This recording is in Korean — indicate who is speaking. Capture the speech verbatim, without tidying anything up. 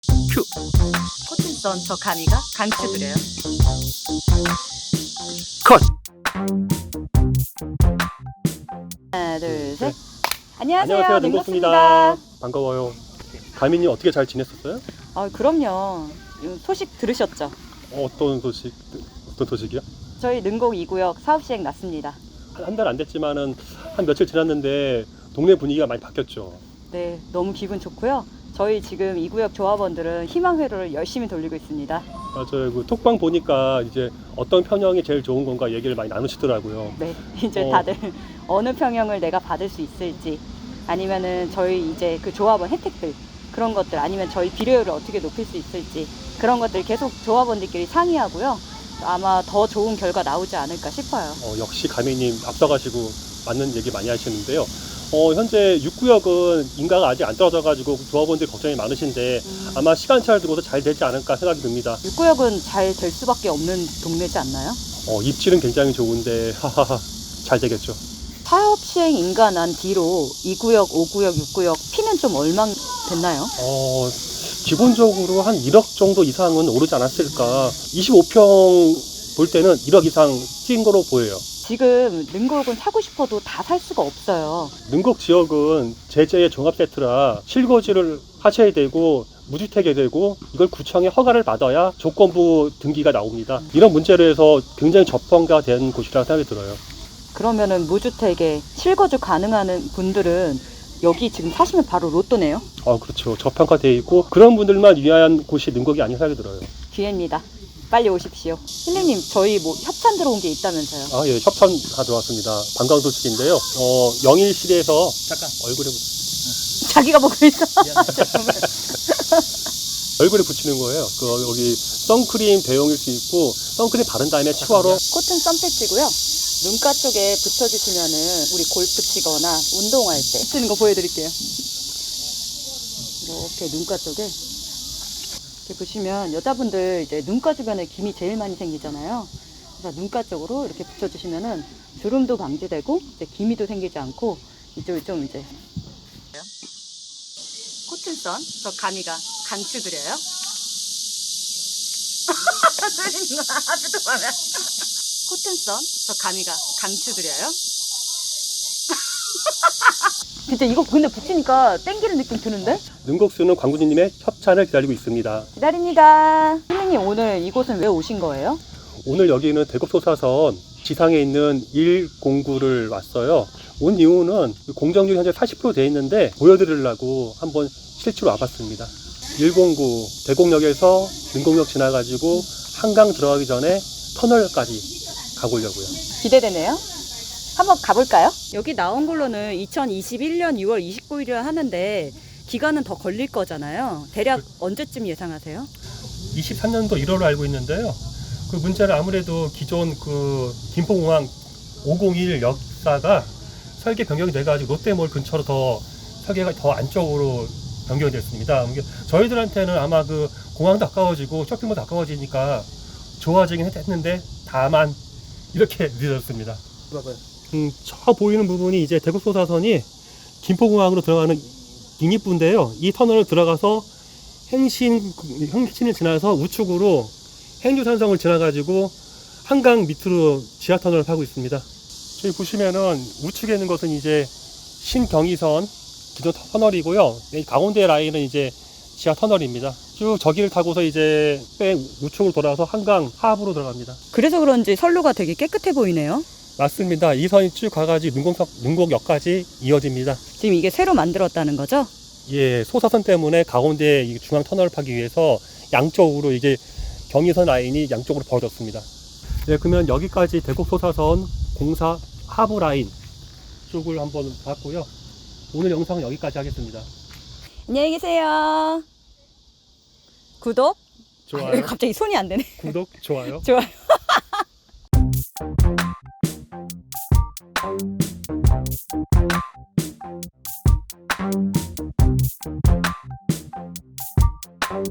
Speaker 1: 큐. 코튼선 저 가미가 강추드려요. 컷.
Speaker 2: 하나, 둘, 셋.
Speaker 3: 네.
Speaker 2: 안녕하세요.
Speaker 3: 안녕하세요,
Speaker 2: 능록습니다.
Speaker 3: 능록입니다. 반가워요. 가민님 어떻게 잘 지냈었어요?
Speaker 2: 아, 그럼요. 소식 들으셨죠?
Speaker 3: 어, 어떤 소식, 어떤 소식이요?
Speaker 2: 저희 능곡 이 구역 사업 시행 났습니다.
Speaker 3: 한 달 안 됐지만은 한 며칠 지났는데 동네 분위기가 많이 바뀌었죠.
Speaker 2: 네, 너무 기분 좋고요. 저희 지금 이 구역 조합원들은 희망회로를 열심히 돌리고 있습니다.
Speaker 3: 맞아요. 그 톡방 보니까 이제 어떤 편향이 제일 좋은 건가 얘기를 많이 나누시더라고요.
Speaker 2: 네, 이제
Speaker 3: 어.
Speaker 2: 다들 어느 평형을 내가 받을 수 있을지, 아니면은 저희 이제 그 조합원 혜택들 그런 것들, 아니면 저희 비료율을 어떻게 높일 수 있을지 그런 것들 계속 조합원들끼리 상의하고요. 아마 더 좋은 결과 나오지 않을까 싶어요.
Speaker 3: 어, 역시 가민님 앞서가시고 맞는 얘기 많이 하시는데요. 어, 현재 육 구역은 인가가 아직 안 떨어져가지고 조합원들 걱정이 많으신데
Speaker 2: 음.
Speaker 3: 아마 시간차를 두고서 잘 되지 않을까 생각이 듭니다.
Speaker 2: 육 구역은 잘 될 수밖에 없는 동네지 않나요?
Speaker 3: 어, 입질은 굉장히 좋은데 하하하 잘 되겠죠.
Speaker 2: 사업 시행 인가 난 뒤로 이 구역, 오 구역, 육 구역 피는 좀 얼마 됐나요?
Speaker 3: 어, 기본적으로 한 일억 정도 이상은 오르지 않았을까. 이십오 평 볼 때는 일억 이상 뛴 거로 보여요.
Speaker 2: 지금 능곡은 사고 싶어도 다 살 수가 없어요.
Speaker 3: 능곡 지역은 제재의 종합 세트라 실거주를 하셔야 되고 무주택이 되고 이걸 구청의 허가를 받아야 조건부 등기가 나옵니다. 이런 문제로 해서 굉장히 저평가 된 곳이라고 생각이 들어요.
Speaker 2: 그러면은 무주택에 실거주 가능한 분들은 여기 지금 사시면 바로 로또네요.
Speaker 3: 어, 그렇죠. 저평가되어 있고 그런 분들만 위한 곳이 능곡이 아닌 생각이 들어요.
Speaker 2: 기회입니다. 빨리 오십시오. 힐링님, 저희 뭐 협찬 들어온 게 있다면서요?
Speaker 3: 아, 예, 협찬가 들어왔습니다. 관광 소식인데요. 어, 영일시에서 잠깐 얼굴에 붙-
Speaker 2: 자기가 보고 있어. 정말.
Speaker 3: 얼굴에 붙이는 거예요. 그 여기 선크림 대용일 수 있고 선크림 바른 다음에 치와로
Speaker 2: 코튼 선패치고요. 눈가 쪽에 붙여주시면은 우리 골프 치거나 운동할 때 쓰는 거 보여드릴게요. 이렇게 눈가 쪽에 이렇게 보시면 여자분들 이제 눈가 주변에 김이 제일 많이 생기잖아요. 그래서 눈가 쪽으로 이렇게 붙여주시면은 주름도 방지되고 이제 기미도 생기지 않고 이쪽이 좀 이제
Speaker 1: 코튼선 저 가미가 강추드려요. 코튼선 저 가미가 강추드려요.
Speaker 2: 진짜 이거 근데 붙이니까 땡기는 느낌 드는데?
Speaker 3: 능곡수는 광구진님의 협찬을 기다리고 있습니다.
Speaker 2: 기다립니다. 힐링님, 오늘 이곳은 왜 오신 거예요?
Speaker 3: 오늘 여기는 대곡소사선 지상에 있는 일공구를 왔어요. 온 이유는 공정률이 현재 사십 퍼센트 돼 있는데 보여드리려고 한번 실제로 와봤습니다. 일공구 대곡역에서 능곡역 지나가지고 한강 들어가기 전에 터널까지 가보려고요.
Speaker 2: 기대되네요. 한번 가볼까요? 여기 나온 걸로는 이천이십일 년 유월 이십구일이라 하는데 기간은 더 걸릴 거잖아요. 대략 언제쯤 예상하세요?
Speaker 3: 이십삼 년도 일월로 알고 있는데요. 그 문제는 아무래도 기존 그 김포공항 오공일 역사가 설계 변경이 돼가지고 롯데몰 근처로 더 설계가 더 안쪽으로 변경이 됐습니다. 저희들한테는 아마 그 공항도 가까워지고 쇼핑몰도 가까워지니까 좋아지긴 했는데 다만 이렇게 늦어졌습니다. 음, 저 보이는 부분이 이제 대곡소사선이 김포공항으로 들어가는 잉입부인데요. 이 터널을 들어가서 행신, 행신을 지나서 우측으로 행주산성을 지나가지고 한강 밑으로 지하터널을 파고 있습니다. 저기 보시면은 우측에 있는 것은 이제 신경의선 기존 터널이고요. 이 가운데 라인은 이제 지하터널입니다. 쭉 저기를 타고서 이제 뺑 우측으로 돌아서 한강 하부로 들어갑니다.
Speaker 2: 그래서 그런지 선로가 되게 깨끗해 보이네요.
Speaker 3: 맞습니다. 이 선이 쭉 가가지고 능곡역, 능곡역까지 이어집니다.
Speaker 2: 지금 이게 새로 만들었다는 거죠?
Speaker 3: 예, 소사선 때문에 가운데 이 중앙 터널을 파기 위해서 양쪽으로 이게 경의선 라인이 양쪽으로 벌어졌습니다. 네, 그러면 여기까지 대곡 소사선 공사 하부 라인 쪽을 한번 봤고요. 오늘 영상은 여기까지 하겠습니다.
Speaker 2: 안녕히 계세요. 구독?
Speaker 3: 좋아요.
Speaker 2: 갑자기 손이 안 되네.
Speaker 3: 구독, 좋아요.
Speaker 2: 좋아요.